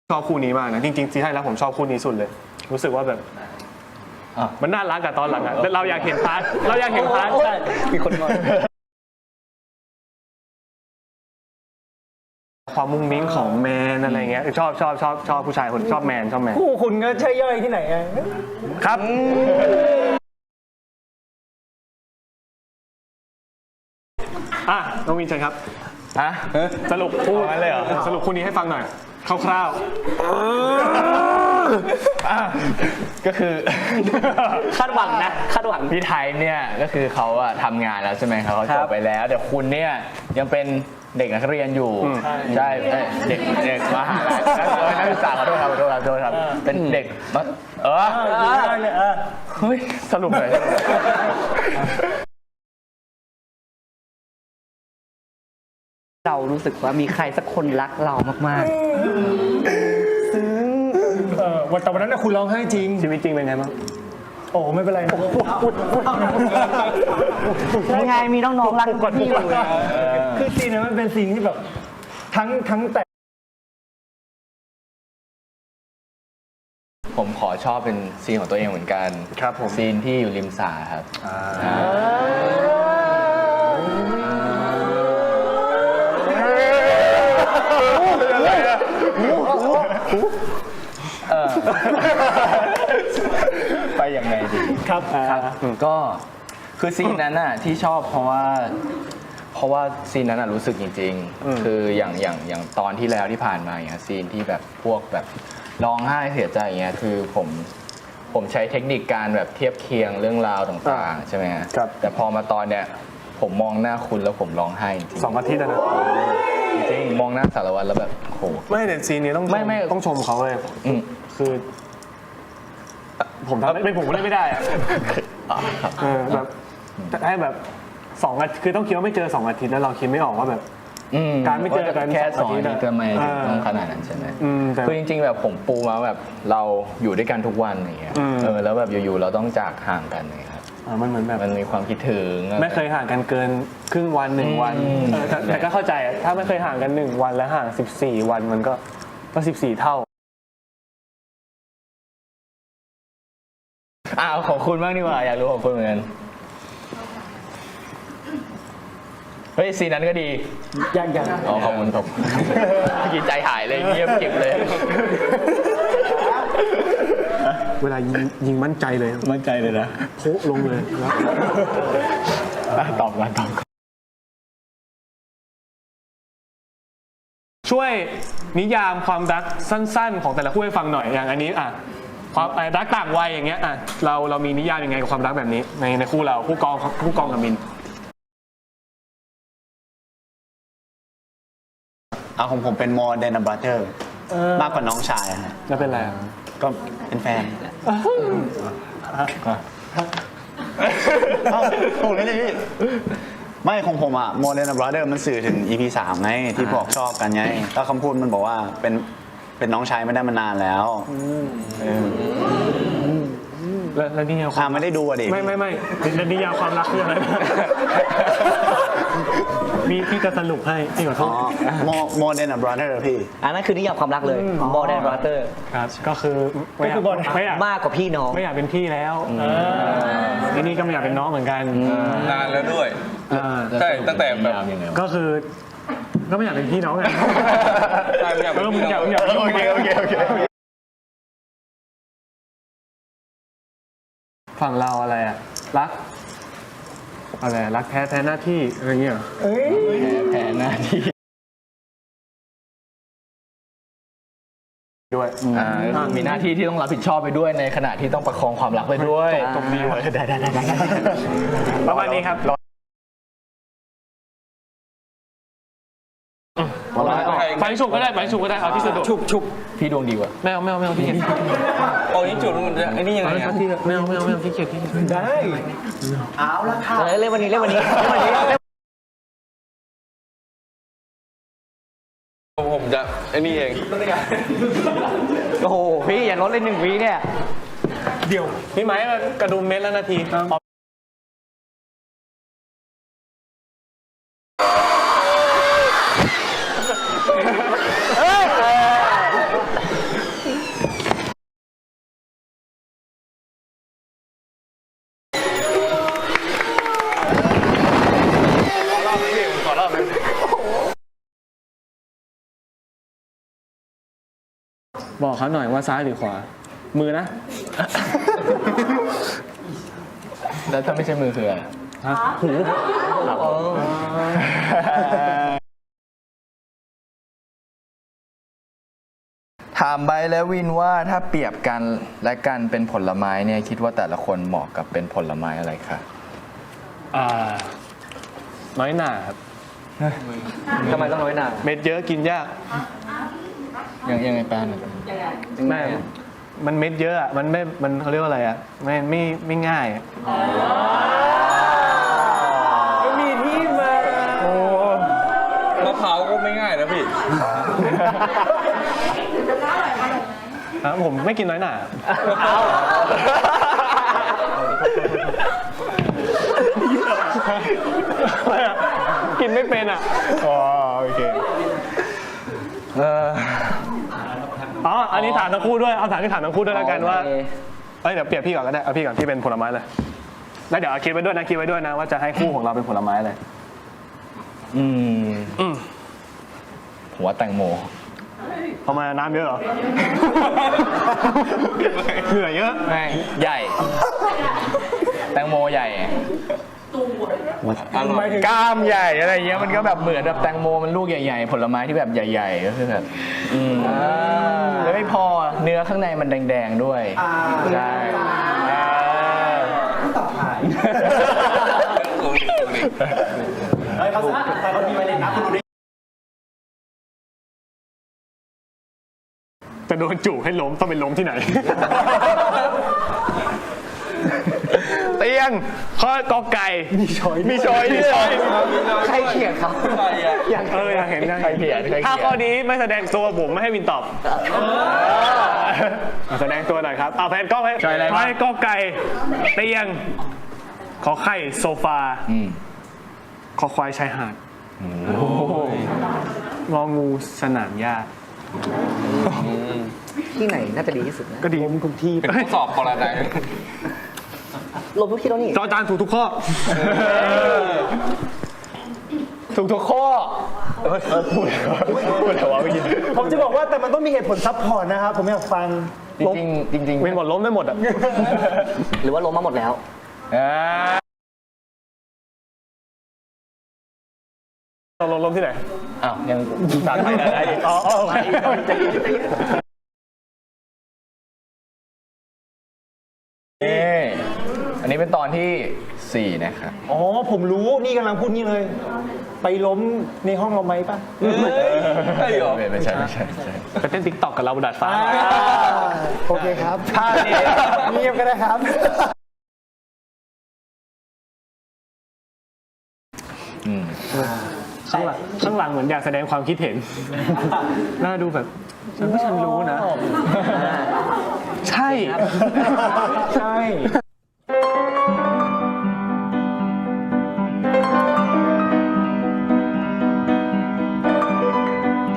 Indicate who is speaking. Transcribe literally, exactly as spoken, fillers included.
Speaker 1: ชอบคู่นี้มากนะจริงๆซีให้แล้วผมชอบคู่นี้สุดเลยรู้สึกว่าแบบมันน่ารักกับตอนหลังอะเราอยากเห็นพาร์ทเราอยากเห็นพาร์ทใช่มีคนงอนความมุ้งมิ้งของแมนอะไรเงี้ยชอบชอบชอบชอบผู้ชายคนชอบแมนชอบแมน
Speaker 2: คู่คุณก็ใช่ย่อยที่ไหนอะ
Speaker 1: ครับอ่ะน้องวินเชิญครับอ่ะสรุปคู่เลยเหรอสรุปคู่นี้ให้ฟังหน่อยคร่าว
Speaker 3: ๆก็คือ
Speaker 2: คาดหวังนะคาดหวัง
Speaker 3: พี่ไทยเนี่ยก็คือเขาอะทำงานแล้วใช่ไหมครับเขาจบไปแล้วแต่คุณเนี่ยยังเป็นเด็กนักเรียนอยู่ใช่เด็กเด็กมหาลัยนักศึกษาขอโทษครับขอโทษครับขอโทษครับเป็นเด็กเออเฮ้ยสรุปเลย
Speaker 4: เรารู้สึกว่ามีใครสักคนรักเรามากๆซึ้ง
Speaker 2: เออวันแต่วันนั้นนะคุณร้องไห้จริง
Speaker 1: ชีวิตจริงเป็นไงบ้าง
Speaker 2: โอ้ไม่เป็นไร
Speaker 4: ยังไงมีน้องๆรักพี่อยู่
Speaker 2: คือซีนนั้นมันเป็นซีนที่แบบทั้งทั้งแต่
Speaker 3: ผมขอชอบเป็นซีนของตัวเองเหมือนกัน
Speaker 1: ครับผม
Speaker 3: ซีนที่อยู่ริมสระครับไปยังไงดี
Speaker 2: ครับ
Speaker 3: ครับก็คือซีนนั้นน่ะที่ชอบเพราะว่าเพราะว่าซีนนั้นน่ะรู้สึกจริงๆคืออย่างอย่างอย่างตอนที่แล้วที่ผ่านมาอย่างเงี้ยซีนที่แบบพวกแบบร้องไห้เสียใจอย่างเงี้ยคือผมผมใช้เทคนิคการแบบเทียบเคียงเรื่องราวต่างๆใช่ไหมฮะแต่พอมาตอนเนี้ยผมมองหน้าคุณแล้วผมร้องไห้จริง
Speaker 1: สองอาทิตย์นะ
Speaker 3: จริงมองหน้าสารวัตรแล้วแบบโห
Speaker 1: ไม่แต่ซีนนี้ต้อง
Speaker 3: ไม่ไม่
Speaker 1: ต้องชมเขาเลยคือผมทำไม่ผมเล่นไม่ได้อะเออแบบให้แบบสองอาทิตย์คือต้องคิดว่าไม่เจอสองอาทิตย์แล้วเราคิดไม่ออกว่าแบบการไม่เจอกัน
Speaker 3: แค่สองอาทิตย์ก็ไม่ต้องขนาดนั้นใช่ไหมคือจริงๆแบบผมปูมาแบบเราอยู่ด้วยกันทุกวันอย่างเงี้ยเออแล้วแบบอยู่ๆเราต้องจากห่างกันเลยครับ
Speaker 1: มันเหมือนแบบ
Speaker 3: มันมีความคิดถึง
Speaker 1: ไม่เคยห่างกันเกินครึ่งวันหนึ่งวันแต่ก็เข้าใจถ้าไม่เคยห่างกันหนึ่งวันแล้วห่างสิบสี่วันมันก็ก็สิบสี่เท่า
Speaker 3: อ้าวของคุณบ้างดีกว่าอยากรู้ของคุณเหมือนกันเฮ้ยซีนนั้นก็ดี
Speaker 2: ยังยัง
Speaker 3: อ๋อขอบคุณผมกินใจหายเลยเงียบเก็บเลย
Speaker 1: เวลายิงยิงมั่นใจเลย
Speaker 3: มั่นใจเลยนะ
Speaker 1: โผล่ลงเลย
Speaker 3: ตอบกันตอบ
Speaker 1: ช่วยนิยามความรักสั้นๆของแต่ละคู่ให้ฟังหน่อยอย่างอันนี้อ่ะความรักต่างวัยอย่างเงี้ยอ่ะเราเรามีนิยามยังไงกับความรักแบบนี้ในในคู่เราคู่กองคู่กองกับมิน
Speaker 5: เอาของผมเป็น more than a brother มากกว่าน้องชายฮะ
Speaker 1: แล้วเป็นอะไร
Speaker 5: ก็เป็นแฟนถูกเลยพี่ไม่ของผมอะ more than a brother มันสื่อถึง อี พี สามไงที่บอกชอบกันไงแล้วคำพูดมันบอกว่าเป็นเป็นน้องชายไม่ได้มานานแล้ว
Speaker 1: แล้วนี่
Speaker 5: ความไม่ได้ดูอ่ะดิ
Speaker 1: ไม่ไม่ไม่แล้วนิยามความรักคืออะไรมีพี่จะสรุปให้พี่ขอโทษ
Speaker 5: more more than a brother พี่
Speaker 4: อันนั้นคือนิยามความรักเลย more than brother
Speaker 1: ครับก็คือไม่อยากไม่อยาก
Speaker 4: มากกว่าพี่น้อง
Speaker 1: ไม่อยากเป็นพี่แล้วทีนี้ก็ไม่อยากเป็นน้องเหมือนกัน
Speaker 6: นานแล้วด้วยใช่ตั้งแต่แบบ
Speaker 1: ก็คือก็ไม่อยากเป็นพี่น้องไง
Speaker 6: ไม่อยากเป็นพี่น้อง
Speaker 1: โอเคโอเคโอเคฝั่งเราอะไรอะรักอะไรรักแท้แท้หน้าที่อะไรเงี้ย
Speaker 3: แพ้แพ้หน้าที่
Speaker 1: ด้วย
Speaker 3: มีหน้าที่ที่ต้องรับผิดชอบไปด้วยในขณะที่ต้องประคองความรักไปด้วย
Speaker 1: ตรงนี้เลย
Speaker 3: ได้ได้ได้ได้
Speaker 1: ประมาณนี้ครับไปฉุกก็ได้ไปฉุกก็ได้เอาที่สะดวก
Speaker 3: ฉุกฉุกพี่ดวงดีกว่า
Speaker 1: ไม่เอาไม่เอาไม่เอาที่เกียจ
Speaker 6: โอ้ยจุดมันไอ้นี่ยังไง
Speaker 1: อ่ะไม่เอาไม่เอาไม่เอาที่เกียจที่
Speaker 2: ได้
Speaker 4: เอาละค่ะเล่นวันนี้เล่นวันนี้เล่นวันนี้
Speaker 6: ผมจะไอ้นี่เอง
Speaker 4: โอ้โหพี่อย่าลดเลยหนึ่งวิเนี่ย
Speaker 1: เดี๋ยวพี่ไม้กระดุมเม็ดละนาทีบอกเขาหน่อยว่าซ้ายหรือขวา มือนะ
Speaker 3: แล้วถ้าไม่ใช่มือคืออะไร
Speaker 1: ฮะหู
Speaker 3: ถามใบและวินว่าถ้าเปรียบกันและกันเป็นผลไม้เนี่ยคิดว่าแต่ละคนเหมาะกับเป็นผลไม้อะไรคะ
Speaker 1: อ่าน้อยหน่าครับ
Speaker 4: ทำไมต้องน้อยหนา
Speaker 1: เม็ดเยอะกินยาก
Speaker 3: ยังยังไงแป้น
Speaker 1: แม่มันเม็ดเยอะอะมันไม่มันเขาเรียกว่าอะไรอะไม่ไม่ไม่ง่ายอะ
Speaker 2: มีที่มา
Speaker 1: โอ้
Speaker 6: มะพร้าวก็ไม่ง่ายนะพี่
Speaker 1: อ่ะผมไม่กินน้อยหน่ากินไม่เป็นอ่ะอ๋อโอเคอ๋ออันนี้ถามทั้งคู่ด้วยเอาถามที่ถามทั้งคู่ด้วยแล้วกันว่าเอ้ยเดี๋ยวเปรียบพี่ก่อนก็ได้เอาพี่ก่อนพี่เป็นผลไม้เลยแล้วเดี๋ยวเอาคิดไว้ด้วยนะคิดไว้ด้วยนะว่าจะให้คู่ของเราเป็นผลไม้เลย
Speaker 3: อืม
Speaker 1: อืม
Speaker 3: ผมว่าแตงโม
Speaker 1: ทำไมน้ำเยอะเหรอ เหนื่อยเยอะ
Speaker 3: ไม่ใหญ่ แตงโมใหญ่กล้ามใหญ่อะไรเงี้ยมันก็แบบเหมือนแบบแตงโมมันลูกใหญ่ๆ ผลไม้ที่แบบใหญ่ๆก็คือแบบอืมแล้วไม่พอเนื้อข้างในมันแดงๆด้วยใช่
Speaker 1: จะโดนจู่ให้ล้มต้องเป็นล้มที่ไหน เตียงข้อกอไก่มีชอยมีชอยมีชอย
Speaker 4: ใครเขียนครับ
Speaker 6: ใครอ่ะ
Speaker 1: อยากเอออยากเห็นอยาก
Speaker 3: ใครเขียนใครเขียน
Speaker 1: ถ้าข้อนี้ไม่แสดงตัวผมไม่ให้วินตอบอ่ะแสดงตัวหน่อยครับเอาแผนกล้องให้
Speaker 3: ชอยอะไร
Speaker 1: ไม้กอไก่เตียงขอไข่โซฟา
Speaker 3: อืม
Speaker 1: ขอควายชายหาดงองูสนามหญ้า
Speaker 4: ที่ไหนน่าจะดีที่สุดนะ
Speaker 1: ก็ดีทุกที่
Speaker 6: เป็นข้อสอบปรนัย
Speaker 4: ลบทุกที่แล้วนี่
Speaker 1: จอจานถูกทุกข้อ
Speaker 3: ถูกทุกข้อพูดพูดอะไรวะไม่ยิน
Speaker 2: ผมจะบอกว่าแต่มันต้องมีเหตุผลซับพอร์ตนะครับผมอยากฟัง
Speaker 3: จริงๆจริงๆ
Speaker 1: เว้นหมดล้มได้หมดอ่ะ
Speaker 4: หรือว่าล้มมาหมดแล้ว
Speaker 3: อ่า
Speaker 1: เราลงล้มที่ไหน
Speaker 3: อ้าวยังสามไทยได้อีก
Speaker 1: อ๋อโอเค
Speaker 3: นี่อันนี้เป็นตอนที่สี่นะครับ
Speaker 2: อ๋อผมรู้นี่กำลังพูดนี่เลย ไปล้มในห้องเราไหมป่ะ
Speaker 6: ใช่เหรอ
Speaker 3: ไม่ไม่ใช่ไม่ใช่ไม่ใช่
Speaker 1: ไปเต้นติ๊กต็อกกับเราบนดาดฟ้า
Speaker 2: โอเคครับท่านี้เงียบก็ได้ครับ
Speaker 3: อืม
Speaker 1: ข้างหลังข้างหลังเหมือนอยากแสดงความคิดเห็น น่าดูแบบฉันว่าฉันรู้นะ ใช่
Speaker 2: ใช่